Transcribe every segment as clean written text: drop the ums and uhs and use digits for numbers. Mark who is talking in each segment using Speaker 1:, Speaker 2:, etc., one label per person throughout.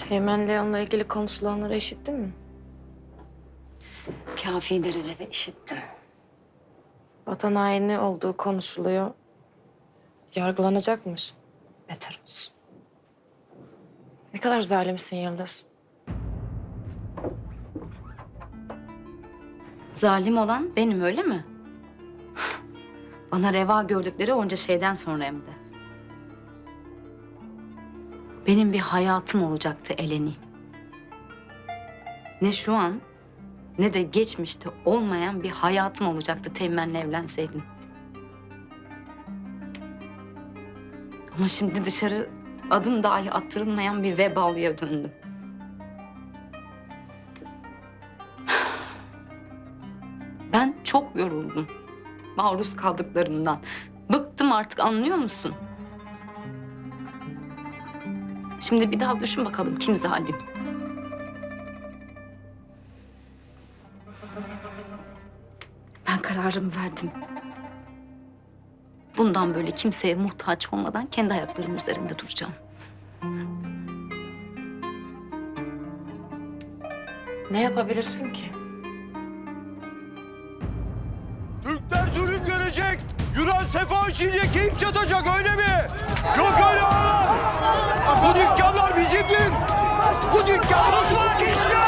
Speaker 1: Teğmen Leon'la ilgili konuşulanları işittin mi?
Speaker 2: Kafi derecede işittim.
Speaker 1: Vatan haini olduğu konuşuluyor. Yargılanacakmış.
Speaker 2: Beter olsun.
Speaker 1: Ne kadar zalimsin Yıldız.
Speaker 2: Zalim olan benim, öyle mi? Bana reva gördükleri onca şeyden sonra hem de. Benim bir hayatım olacaktı Eleni. Ne şu an ne de geçmişte olmayan bir hayatım olacaktı Teğmen'le evlenseydim. Ama şimdi dışarı adım dahi attırılmayan bir vebalıya döndüm. Ben çok yoruldum maruz kaldıklarımdan. Bıktım artık, anlıyor musun? Şimdi bir daha düşün bakalım kim zalim? Ben kararımı verdim. Bundan böyle kimseye muhtaç olmadan kendi ayaklarım üzerinde duracağım.
Speaker 1: Ne yapabilirsin ki?
Speaker 3: Türkler zulüm görecek. Yunan sefa içinde keyif çatacak, öyle mi? Yok öyle ağalar. Bu dükkanlar bizimdir. Bu dükkanlar bizimdir.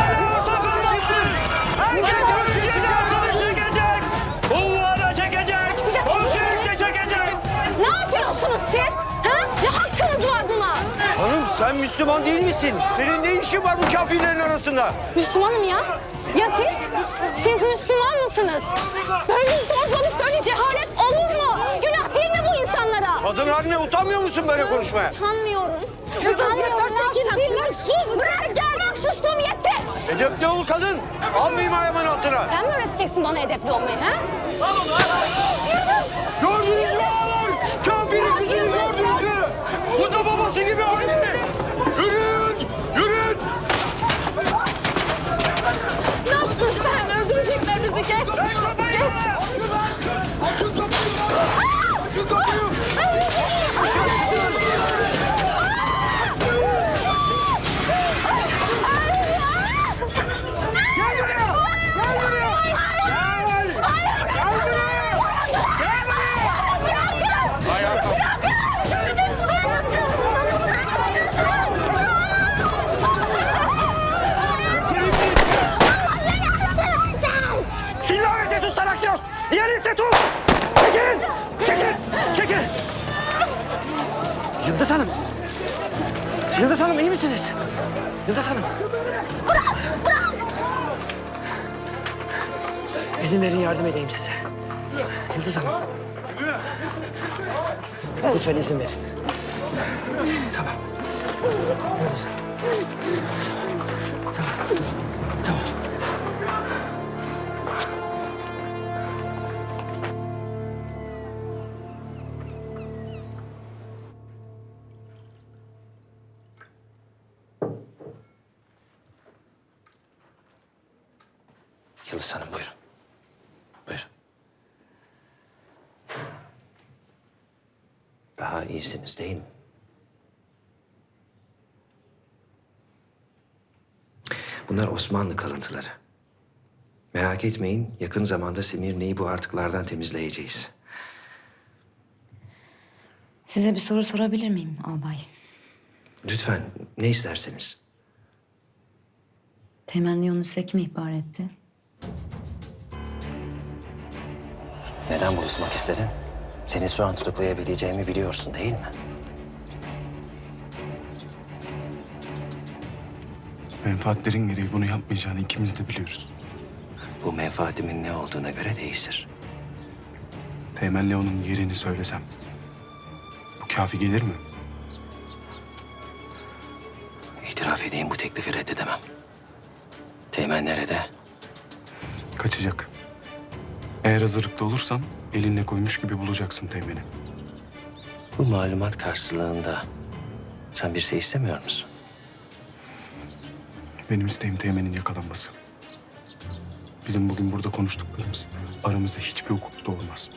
Speaker 4: Herkes Türkiye'den savaşı çekecek. Kuvvana çekecek. O sürekli çekecek.
Speaker 5: Ne yapıyorsunuz siz? Ha? Ne hakkınız var buna?
Speaker 3: Hanım sen Müslüman değil misin? Senin ne işin var bu kafirlerin arasında?
Speaker 5: Müslümanım ya. Ya siz? Siz Müslüman mısınız? Böyle zorbalık, böyle cehalet olur mu? Günah değil mi bu insanlara?
Speaker 3: Kadın haline utanmıyor musun böyle konuşmaya?
Speaker 5: Utanmıyorum. Utanmıyorum. Ne yapacaksınız? Sus! Bırak gel! Bırak, sustum yetti.
Speaker 3: Edepli ol kadın. Almayayım ayağımın altına.
Speaker 5: Sen mi öğreteceksin bana edepli olmayı ha? Yıldız!
Speaker 3: Gördünüz mü ağalar? Kafirin kızını gördünüz mü? Bu da babası gibi anne. Yürüyün! Yürüyün!
Speaker 5: Ne yaptın sen? Öldürecekler bizi. Geç. Geç.
Speaker 3: Açın kapıyı! Açın kapıyı!
Speaker 4: Silahı sus aksiyon. Diğeri tut. Çekilin. Çekil. Çekil. Yıldız Hanım. Yıldız Hanım, iyi misiniz? Yıldız Hanım. Bırak. İzin verin, yardım edeyim size. Yıldız Hanım. Lütfen izin verin. Tamam. Yıldız Hanım. Tamam.
Speaker 6: Yıldız Hanım buyurun. Buyurun. Daha iyisiniz değil mi? Bunlar Osmanlı kalıntıları. Merak etmeyin, yakın zamanda Semirne'yi bu artıklardan temizleyeceğiz.
Speaker 2: Size bir soru sorabilir miyim albay?
Speaker 6: Lütfen, ne isterseniz.
Speaker 2: Teğmen Leon'u size kim ihbar etti?
Speaker 6: Neden buluşmak istedin? Seni şu an tutuklayabileceğimi biliyorsun değil mi?
Speaker 7: Menfaatlerin gereği bunu yapmayacağını ikimiz de biliyoruz.
Speaker 6: Bu menfaatimin ne olduğuna göre değiştir.
Speaker 7: Teğmen Leon'un yerini söylesem bu kafi gelir mi?
Speaker 6: İtiraf edeyim, bu teklifi reddedemem. Teğmen nerede?
Speaker 7: Kaçacak. Eğer hazırlıklı olursan elinle koymuş gibi bulacaksın Teğmen'i.
Speaker 6: Bu malumat karşılığında sen bir şey istemiyor musun?
Speaker 7: Benim isteğim Teğmen'in yakalanması. Bizim bugün burada konuştuklarımız aramızda hiçbir hukuk doğurmaz.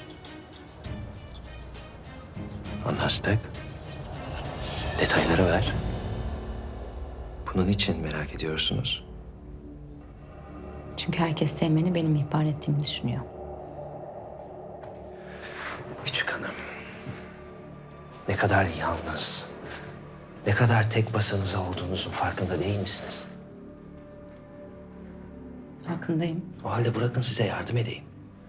Speaker 6: Anlaştık. Detayları ver. Bu Bunun için merak ediyorsunuz.
Speaker 2: Çünkü herkes Teğmen'i benim ihbar ettiğimi düşünüyor.
Speaker 6: Küçük hanım. Ne kadar yalnız, ne kadar tek başınıza olduğunuzun farkında değil misiniz?
Speaker 2: Farkındayım.
Speaker 6: O halde bırakın size yardım edeyim.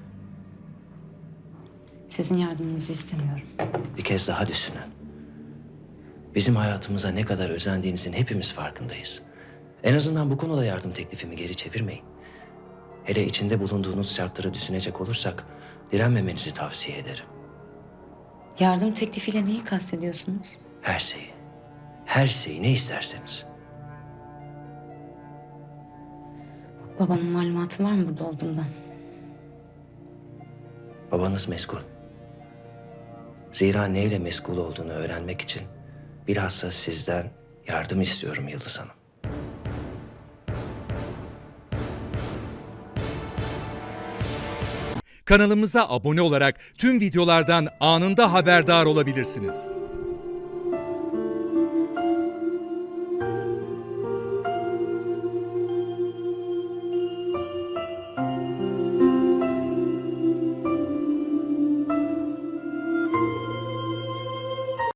Speaker 2: Sizin yardımınızı istemiyorum.
Speaker 6: Bir kez daha düşünün. Bizim hayatımıza ne kadar özendiğinizin hepimiz farkındayız. En azından bu konuda yardım teklifimi geri çevirmeyin. Hele içinde bulunduğunuz şartları düşünecek olursak direnmemenizi tavsiye ederim.
Speaker 2: Yardım teklifiyle neyi kastediyorsunuz?
Speaker 6: Her şeyi. Her şeyi ne isterseniz.
Speaker 2: Babamın malumatı var mı burada olduğumdan?
Speaker 6: Babanız meşgul. Zira neyle meşgul olduğunu öğrenmek için bilhassa sizden yardım istiyorum Yıldız Hanım.
Speaker 8: Kanalımıza abone olarak tüm videolardan anında haberdar olabilirsiniz.